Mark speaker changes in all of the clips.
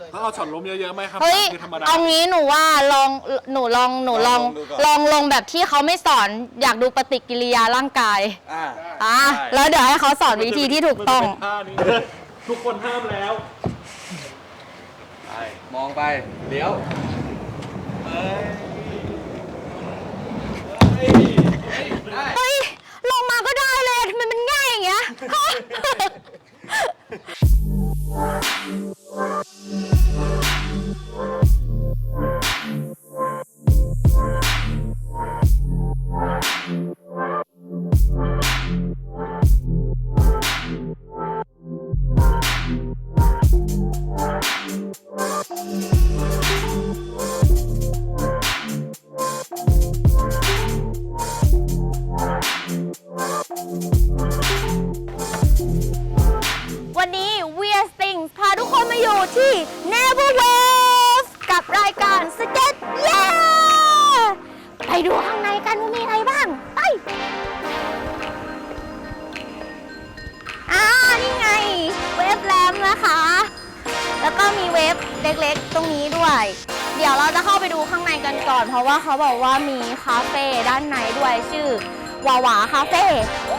Speaker 1: ถ้าเอาช็อตล้มเยอะๆไหมครับ
Speaker 2: เฮ้ย
Speaker 1: คือธรรมดา
Speaker 2: เอางี้หนูว่าลองลงแบบที่เขาไม่สอนอยากดูปฏิกิริยาร่างกายแล้วเดี๋ยวให้เขาสอนวิธีที่ถูกต้อง
Speaker 1: ทุกคนห้ามแล้ว
Speaker 3: ไปมองไปเลี้ยว
Speaker 2: เฮ้ย ลงมาก็ได้เลยทำไมมันง่ายอย่างเงี้ย วันนี้ Weird Things พาทุกคนมาอยู่ที่ Never Wave กับรายการ Skate Yeah ไปดูข้างในกันว่ามีอะไรบ้าง ไปนี่ไง เวฟแรมนะคะ แล้วก็มีเวฟเล็กๆ ตรงนี้ด้วย เดี๋ยวเราจะเข้าไปดูข้างในกันก่อน เพราะว่าเขาบอกว่ามีคาเฟ่ด้านในด้วยชื่อวาวาคาเฟ่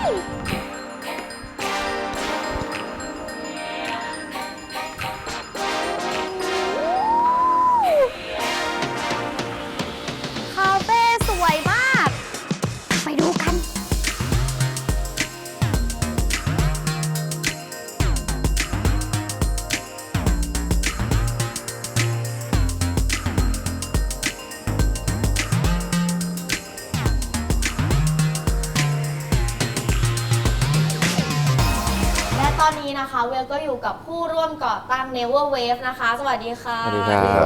Speaker 2: คาเฟ่สวยมาก ไปดูกัน และตอนนี้นะคะเวลก็อยู่กับผู้ร่วมก่อตั้ง Never Wave นะคะ สวัสดีค่ะ
Speaker 4: สวัสดีครับ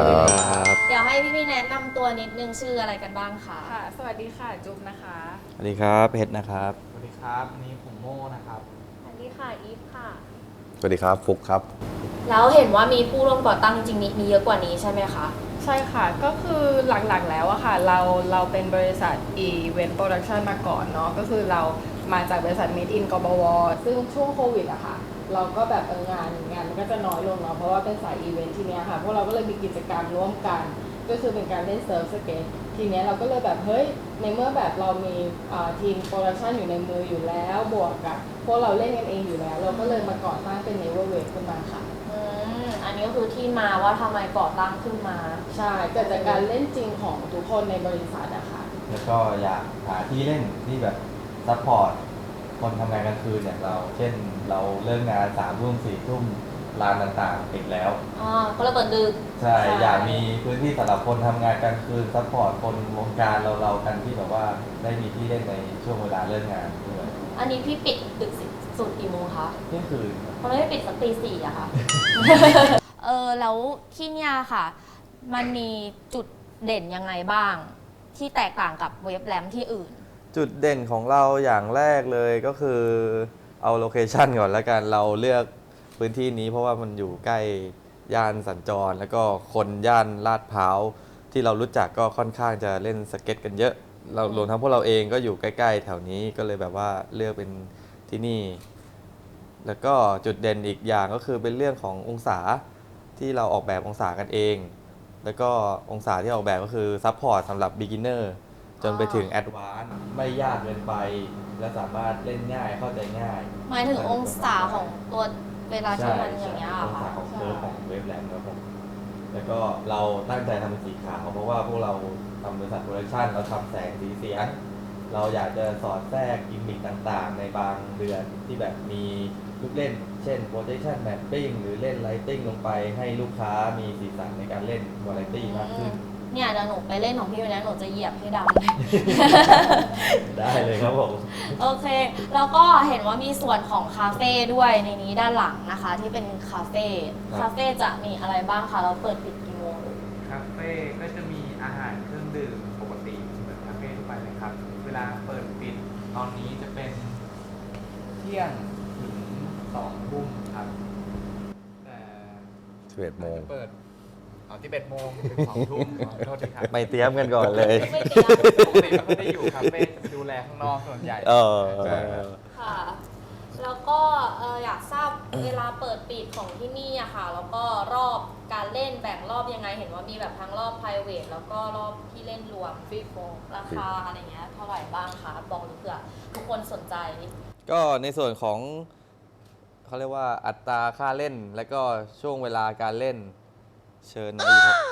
Speaker 2: เดี๋ยวให้พี่ๆแนะนำตัวนิดนึงชื่ออะไรกันบ้างคะ
Speaker 5: ค่ะ สวัสดีค่ะ จุ๊บนะคะ
Speaker 4: สวัสดีครับเพชรนะครับ
Speaker 3: สวัสดีครับนี่ผมโม่นะครับ
Speaker 2: สวัสดีค่ะอีฟค่ะ
Speaker 6: สวัสดีครับฟุกครับ
Speaker 2: แล้วเห็นว่ามีผู้ร่วมก่อตั้งจริงๆมีเยอะกว่านี้ใช่ไหมคะ
Speaker 5: ใช่ค่ะ ก็คือหลักๆแล้วอะค่ะ เราเป็นบริษัท Event Production มาก่อนเนาะ ก็คือเรามาจากบริษัท Made in กบว ซึ่งช่วงโควิดอะค่ะ เราก็แบบงานมันก็จะน้อยลงเนาะ เพราะว่าเป็นสายอีเวนท์ทีเนี้ยค่ะ พวกเราก็เลยมีกิจกรรมร่วมกัน ก็คือเป็นการเล่นเซิร์ฟสเก็ต ทีเนี้ยเราก็เลยแบบเฮ้ย ในเมื่อแบบเรามีทีมโปรดักชันอยู่ในมืออยู่แล้ว บวกกับพวกเราเล่นกันเองอยู่แล้ว เราก็เลยมาก่อตั้งเป็น Never Wave ขึ้นมาค่ะ
Speaker 2: อันนี้ก็คือที่มาว่าทำไมก่อตั้งขึ้นมา
Speaker 5: ใช่เกิดจากการเล่นจริงของทุกคนในบริษัทอะค่ะ
Speaker 4: แล้วก็อยากหาที่เล่นที่แบบซัพพอร์ตคนทำงานกลางคืนอย่างเรา เช่นเราเลิกงาน3 ทุ่ม 4 ทุ่มร้านต่างๆปิดแล้ว
Speaker 2: ก็ระเบิดดึก
Speaker 4: ใช่ อยากมีพื้นที่สำหรับคนทำงานกลางคืนซัพพอร์ตคนวงการเรากันที่แบบว่าได้มีที่เล่นในช่วงเวลาเลิกงานด้วย
Speaker 2: อันนี้พี่ปิดดึกสุดกี่โมงคะ
Speaker 4: เที่ยงคืน
Speaker 2: ทำไมไม่ปิดสักตี 4อะคะ แล้วที่เนี่ยค่ะ มันมีจุดเด่นยังไงบ้าง ที่แตกต่างกับเว็บแรมที่อื่น
Speaker 4: จุดเด่นของเราอย่างแรกเลยก็คือเอาโลเคชันก่อนแล้วกันเราเลือกพื้นที่นี้เพราะว่ามันอยู่ใกล้ย่านสัญจร แล้วก็คนย่านลาดพร้าวที่เรารู้จักก็ค่อนข้างจะเล่นสเก็ตกันเยอะเรารวมทั้งพวกเราเองก็อยู่ใกล้ๆแถวนี้ก็เลยแบบว่าเลือกเป็นที่นี่ แล้วก็จุดเด่นอีกอย่างก็คือเป็นเรื่องขององศาที่เราออกแบบองศากันเอง แล้วก็องศาที่ออกแบบก็คือซัพพอร์ตสำหรับ beginner จนไปถึง advance ไม่ยากเกินไป และสามารถเล่นง่ายเข้าใจง่าย
Speaker 2: หมายถึงองศาของตัวเวลาที่มันอย่างเงี้ย
Speaker 4: อง
Speaker 2: ค่ะ
Speaker 4: ศาของเคิร์ฟของเวฟแลนด์ครับผมแล้วก็เราตั้งใจทำเป็นสีขาวเพราะว่าพวกเราทำบริษัทโปรดักชันเราทำแสงสีเสียง เราอยากจะสอดแทรกกิมมิคต่างๆ ในบางเดือนที่แบบมีลูกเล่น เช่น projection mapping หรือเล่น lighting ลงไปให้ลูกค้ามีสีสันในการเล่น variety มากขึ้น
Speaker 2: เนี่ยเดี๋ยวหนูไปเล่นของพี่วันนี้หนูจะเหยียบให้ดำ
Speaker 4: ได้เลยครับผม
Speaker 2: โอเค แล้วก็เห็นว่ามีส่วนของคาเฟ่ด้วยในนี้ด้านหลังนะคะ ที่เป็นคาเฟ่ คาเฟ่จะมีอะไรบ้างคะเราเปิดปิดกี่โมง
Speaker 3: คาเฟ่ก็จะมีอาหารเครื่องดื่มปกติเหมือนคาเฟ่ทั่วไปเลยครับ เวลาเปิดปิดตอนนี้จะเป็นเที่ยงถึง2 ทุ่มครับแต่
Speaker 6: 11 โมง
Speaker 3: เปิด11 โมงถึง2 ทุ่มขอโทษทีครับ
Speaker 4: ไม่เตรียมกันก่อนเลย
Speaker 2: ไม่เตรียม
Speaker 3: ปกติเราไม่ได้อยู่คาเฟ่ดูแลข้างนอกส่วนใหญ่ ใช่ครับ
Speaker 2: ค่ะ แล้วก็อยากทราบเวลาเปิดปิดของที่นี่อะค่ะ แล้วก็รอบการเล่นล่นแบ่งรอบยังไงเห็นว่ามีแบบทั้งรอบ private แล้วก็รอบที่เล่นรวมฟรีโฟราคาอะไรเงี้ยเท่าไหร่บ้างคะบอกเผื่อทุกคนสนใจ
Speaker 4: ก็ในส่วนของเขาเรียกว่าอัตราค่าเล่น และก็ช่วงเวลาการเล่นเชิญมาอีกครับ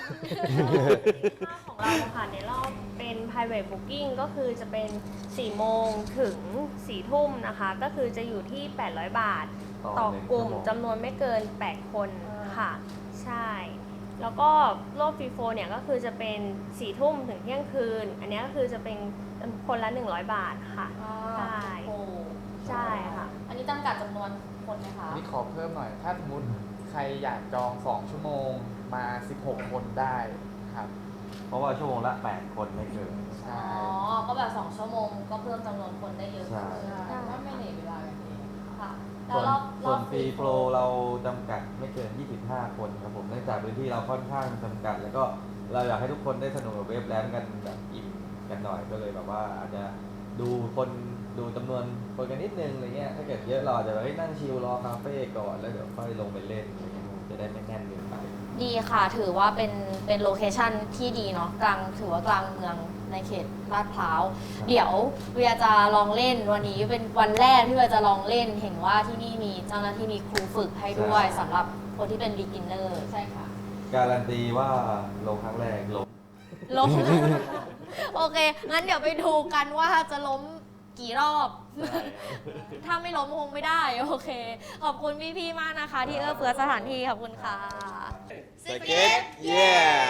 Speaker 7: ของเราค่ะในรอบเป็น private booking ก็คือจะเป็น 4 โมงถึง 4 ทุ่มนะคะ ก็คือจะอยู่ที่ 800 บาท ต่อกลุ่มจำนวนไม่เกิน 8 คนค่ะ ใช่ แล้วก็รอบฟรีโฟเนี่ยก็คือจะเป็น 4 ทุ่มถึงเที่ยงคืน อันนี้ก็คือจะเป็นคนละ 100 บาทค่ะ ใช่
Speaker 2: โอ้
Speaker 7: ใช่ค่ะ
Speaker 2: อันนี้จำกัดจำนวนคนไหมคะ
Speaker 3: นี่ขอเพิ่มหน่อย ถ้าสมมติใครอยากจอง 2 ชั่วโมงมา 16 คนได้ครับ
Speaker 4: เพราะว่าชั่วโมงละ 8 คนไม่เกิน
Speaker 3: ใช่
Speaker 2: อ๋อ ก็แบบ2ชั่วโมงก็เพิ่มจำนวนคนได้เยอะ
Speaker 4: ใช่
Speaker 5: ว่าไม่เหนื่อยเวลากันเอง
Speaker 2: ค่ะแล้
Speaker 4: ส่
Speaker 2: ว
Speaker 4: วน
Speaker 2: รอบ
Speaker 4: ส่วนฟรีโฟลเราจำกัดไม่เกิน 25 คนครับผมเนื่องจากพื้นที่เราค่อนข้างจำกัด แล้วก็เราอยากให้ทุกคนได้สนุกกับเวฟแลนด์กันแบบอิ่มกันหน่อยก็เลยแบบว่าอาจจะดูคนดูจำนวนคนกันนิดนึงอะไรเงี้ยถ้าเกิดเยอะเราอาจจะแบบนั่งชิลรอคาเฟ่ก่อนแล้วเดี๋ยวค่อยลงไปเล่นอะไรเงี้ยจะได้ไม่แน่นเกินไป
Speaker 2: ดีค่ะ ถือว่าเป็นโลเคชั่นที่ดีเนาะกลางถือว่ากลางเมืองในเขตลาดพร้าว เดี๋ยวเวียจะลองเล่นวันนี้เป็นวันแรกที่เวียจะลองเล่น เห็นว่าที่นี่มีเจ้าหน้าที่มีครูฝึกให้ด้วย
Speaker 4: ใช่
Speaker 2: สำหรับคนที่เป็น beginner
Speaker 5: ใช่ค่ะ
Speaker 4: การันตีว่าลงครั้งแรกลง
Speaker 2: ล้ม โอเค งั้นเดี๋ยวไปดูกันว่าจะล้มกี่รอบ ถ้าไม่ล้มคงไม่ได้ โอเค ขอบคุณพี่ๆ มากนะคะ ที่เอื้อเฟื้อสถานที่ ขอบคุณค่ะสเก็ตเย้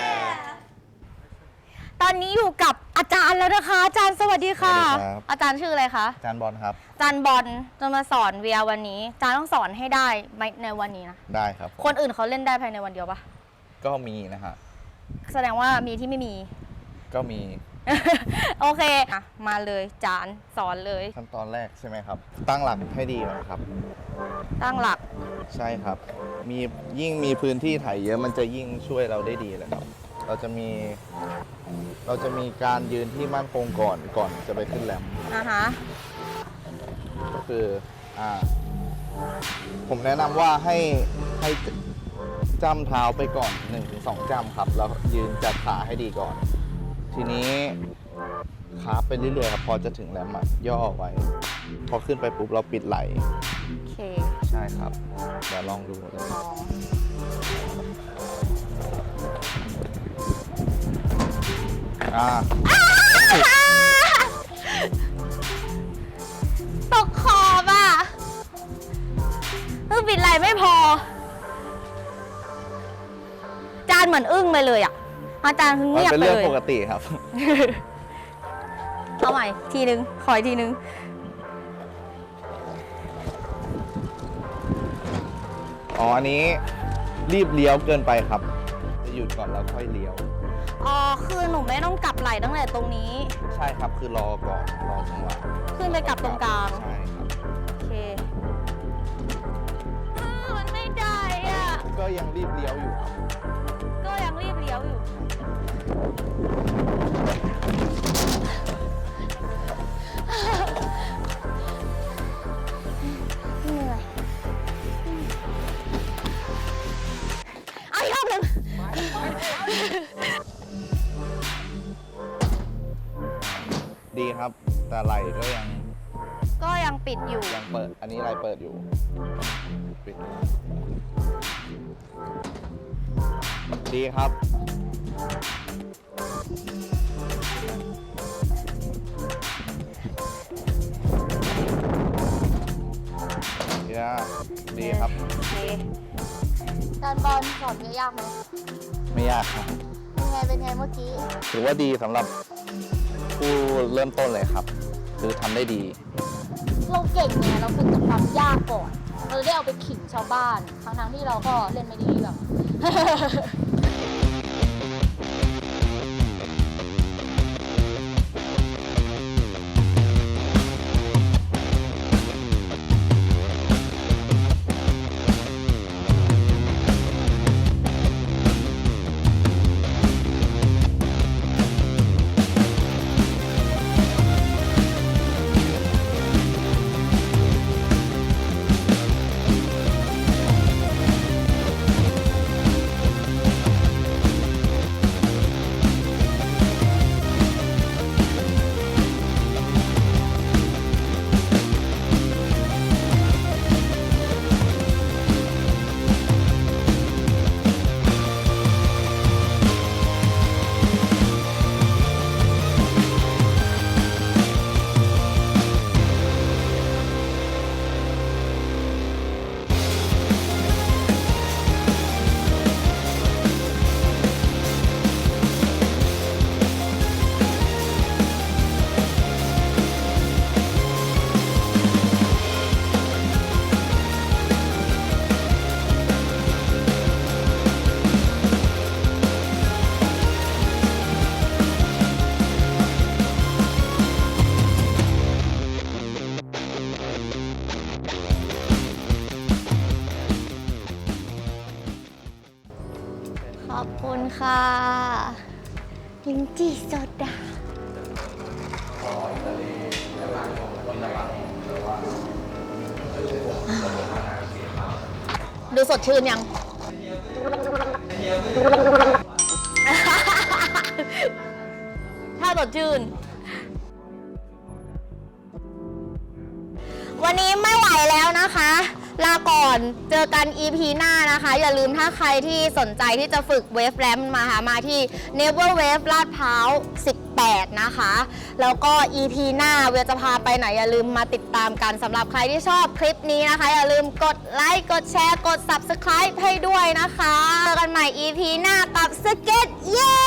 Speaker 2: ตอนนี้อยู่กับอาจารย์แล้วนะคะ อาจารย์สวัสดีค่ะ
Speaker 6: สวัสดีครับ
Speaker 2: อาจารย์ชื่ออะไรคะ
Speaker 6: อาจารย์บอลครับ
Speaker 2: อาจารย์บอลจะมาสอนเวียวันนี้ อาจารย์ต้องสอนให้ได้ในวันนี้นะ
Speaker 6: ได้ครับ
Speaker 2: คนอื่นเขาเล่นได้ภายในวันเดียวปะ
Speaker 6: ก็มีนะฮะ
Speaker 2: แสดงว่ามีที่ไม่มี
Speaker 6: ก็มี
Speaker 2: โอเคอ่ะมาเลยอาจารย์สอนเลย
Speaker 6: ขั้นตอนแรกใช่ไหมครับ ตั้งหลักให้ดีก่อนครับ
Speaker 2: ตั้งหลัก
Speaker 6: ใช่ครับ ยิ่งมีพื้นที่ถ่ายเยอะมันจะยิ่งช่วยเราได้ดีเลยครับ เราจะมีการยืนที่มั่นคงก่อนจะไปขึ้นแรมป์
Speaker 2: ฮะ
Speaker 6: ก็คือผมแนะนำว่าให้จ้ำเท้าไปก่อน 1-2 จ้ำครับ แล้วยืนจัดขาให้ดีก่อน ทีนี้ขาไปเรื่อยๆครับ พอจะถึงแรมป์อะย่อไว้ พอขึ้นไปปุ๊บเราปิดไหล่
Speaker 2: โอเค
Speaker 6: ใช่ครับ เดี๋ยวลองดูเลย
Speaker 2: ลองตกขอบอ่ะปิดไหลไม่พอ อาจารย์เหมือนอึ้งไปเลยอ่ะ อาจารย์คือ
Speaker 6: มัน
Speaker 2: เงียบ
Speaker 6: เป็น
Speaker 2: ไป
Speaker 6: เรื่อง
Speaker 2: เลย
Speaker 6: ปกติครับ
Speaker 2: เอาใหม่ทีนึง ขออีกทีนึง
Speaker 6: อ๋อ อันนี้รีบเลี้ยวเกินไปครับ จะหยุดก่อนแล้วค่อยเลี้ยว
Speaker 2: อ๋อ คือหนูไม่ต้องกลับไหลตั้งแต่ตรงนี้
Speaker 6: ใช่ครับ คือรอก่อน รอจังหวะ
Speaker 2: ขึ้นไปกลับตรงกลาง
Speaker 6: ใช่ครับ
Speaker 2: โอเคมันไม่ได้อ่ะ
Speaker 6: ก็ยังรีบเลี้ยวอยู่ครับ
Speaker 2: ก็ยังรีบเลี้ยวอยู่ เหนื่อยเอาอีกรอบหนึ่ง
Speaker 6: ดีครับ แต่ไหลก็ยัง
Speaker 2: ก็ยังปิดอยู่
Speaker 6: เปิด อันนี้ไหลเปิดอยู่ ปิด ดีครับ ดีครับ
Speaker 2: โอเคการบอลสอนยากไหม
Speaker 6: ไม่ยากครับ
Speaker 2: เป็นไงเมื่อกี้
Speaker 6: ถือว่าดีสำหรับผู้เริ่มต้นเลยครับ คือทำได้ดี
Speaker 2: เราเก่งไงเราฝึกจากความยากก่อน เราได้เอาไปขิงชาวบ้าน ทั้งที่เราก็เล่นไม่ได้เรื่องขอบคุณค่ะลิ้นจี่โซดาดูสดชื่นยัง ถ้าสดชื่น วันนี้ไม่ไหวแล้วนะคะ ลาก่อนเจอกัน EP หน้านะคะ อย่าลืมถ้าใครที่สนใจที่จะฝึกเวฟแรมมาที่ Never Wave ลาดพร้าว 18 นะคะ แล้วก็ EP หน้าเวลจะพาไปไหนอย่าลืมมาติดตามกันสำหรับใครที่ชอบคลิปนี้นะคะ อย่าลืมกดไลค์กดแชร์กด Subscribe ให้ด้วยนะคะเจอกันใหม่ EP หน้ากับสเก็ตเย้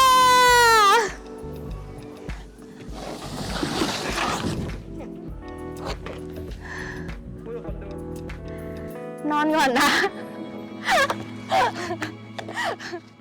Speaker 2: นอนก่อนนะ